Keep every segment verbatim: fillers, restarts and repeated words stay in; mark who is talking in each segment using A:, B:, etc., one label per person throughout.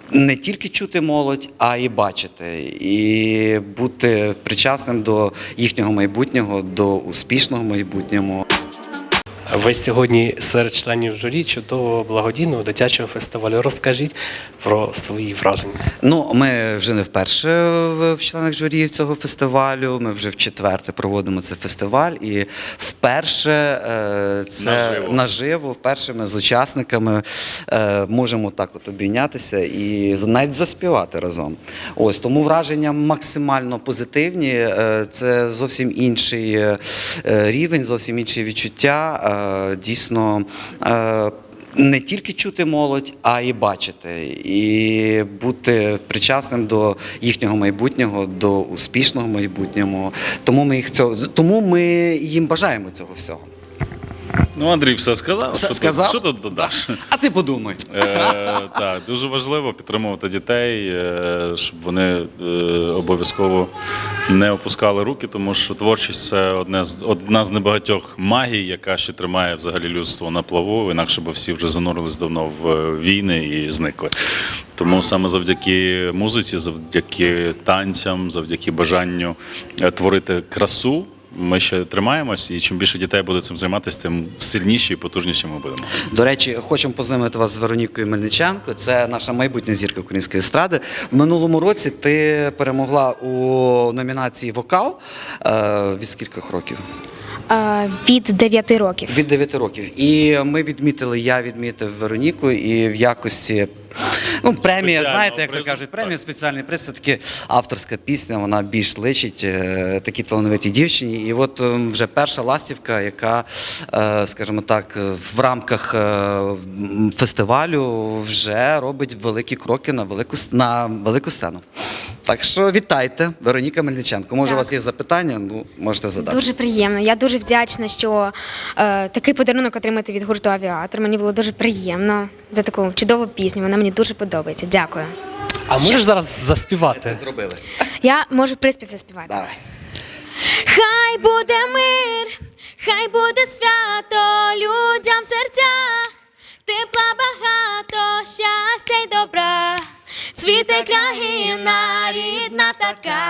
A: не тільки чути молодь, а й бачити, і бути причасним до їхнього майбутнього, до успішного майбутнього.
B: Ви сьогодні серед членів журі чудового благодійного дитячого фестивалю. Розкажіть про свої враження.
A: Ну, ми вже не вперше в в членах журі цього фестивалю, ми вже вчетверте проводимо цей фестиваль, і вперше е, це
C: Наживо.
A: наживо, вперше ми з учасниками е, можемо так от обійнятися і з- навіть заспівати разом. Ось, тому враження максимально позитивні, е, це зовсім інший е, рівень, зовсім інші відчуття. Е, Дійсно, е, не тільки чути молодь, а й бачити, і бути причасним до їхнього майбутнього, до успішного майбутнього. Тому ми їх цього, тому ми їм бажаємо цього всього.
C: Ну, Андрій все сказав.
A: Все
C: що,
A: сказав?
C: Тут, що тут додаш?
A: А ти подумай.
C: Е, так, дуже важливо підтримувати дітей, е, щоб вони е, обов'язково не опускали руки, тому що творчість – це одне з, одна з небагатьох магій, яка ще тримає взагалі людство на плаву, інакше б всі вже занурились давно в війни і зникли. Тому саме завдяки музиці, завдяки танцям, завдяки бажанню е, творити красу, ми ще тримаємось, і чим більше дітей буде цим займатися, тим сильніші і потужніші ми будемо.
A: До речі, хочемо познайомити вас з Веронікою Мельниченко. Це наша майбутня зірка української естради. В минулому році ти перемогла у номінації «Вокал». Е, Від скількох років?
D: Е, Від дев'яти років.
A: Від дев'яти років. І ми відмітили, я відмітив Вероніку, і в якості, ну, премія,
C: Спеціального
A: знаєте, як то
C: призу,
A: кажуть, премія,
C: так.
A: спеціальний приз, все-таки авторська пісня, вона більш личить е, такій талановитій дівчині. І от е, вже перша ластівка, яка, е, скажімо так, в рамках е, м, фестивалю вже робить великі кроки на велику, с- на велику сцену. Так що вітайте, Вероніка Мельниченко. Може, у вас є запитання? Ну, можете задати.
D: Дуже приємно. Я дуже вдячна, що е, такий подарунок отримати від гурту «Авіатор». Мені було дуже приємно за таку чудову пісню. Вона мені дуже подобається. Дякую.
B: А можеш зараз заспівати?
A: Зробили.
D: Я можу приспів заспівати.
A: Давай.
D: Хай буде мир, хай буде свято людям в серцях, тепла багато, щастя й добра, цвіте країна, рідна така,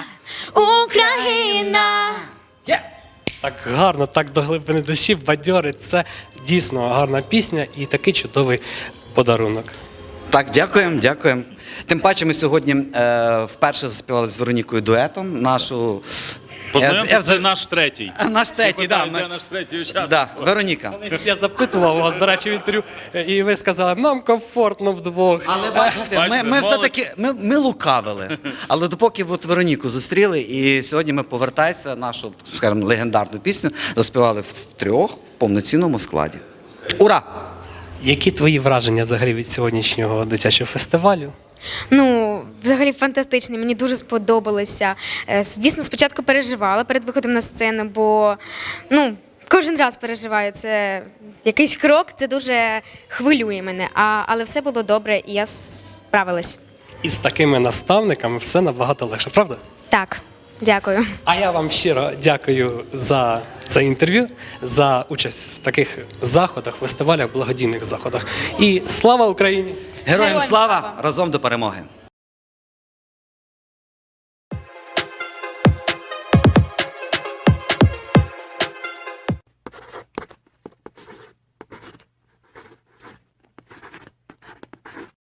D: Україна.
B: Так гарно, так до глибини душі, бадьорить. Це дійсно гарна пісня і такий чудовий подарунок.
A: Так, дякуємо, дякуємо. Тим паче ми сьогодні е, вперше заспівали з Веронікою дуетом нашу.
C: Познайомтеся,
A: Е,
C: це
A: е,
C: наш третій.
A: Наш третій, да,
C: Питають,
A: ми-
C: де наш третій учасник.
A: Да, Вероніка.
B: Я запитував вас, до речі, в інтерв'ю, і ви сказали, нам комфортно вдвох.
A: Але бачите, ми,
C: Бачите,
A: ми
C: молодь.
A: все-таки ми, ми лукавили. Але допоки от Вероніку зустріли, і сьогодні ми повертайся, нашу, скажімо, легендарну пісню заспівали в трьох в повноцінному складі. Ура!
B: Які твої враження взагалі від сьогоднішнього дитячого фестивалю?
D: Ну, взагалі фантастичний, мені дуже сподобалося. Е, Звісно, спочатку переживала перед виходом на сцену, бо ну, кожен раз переживаю. Це якийсь крок, це дуже хвилює мене. А, але все було добре, і я справилась.
B: І з такими наставниками все набагато легше, правда?
D: Так, дякую.
B: А я вам щиро дякую за це інтерв'ю, за участь в таких заходах, фестивалях, благодійних заходах. І слава Україні!
A: Героям
D: Героям
A: слава!
D: слава!
A: Разом до перемоги!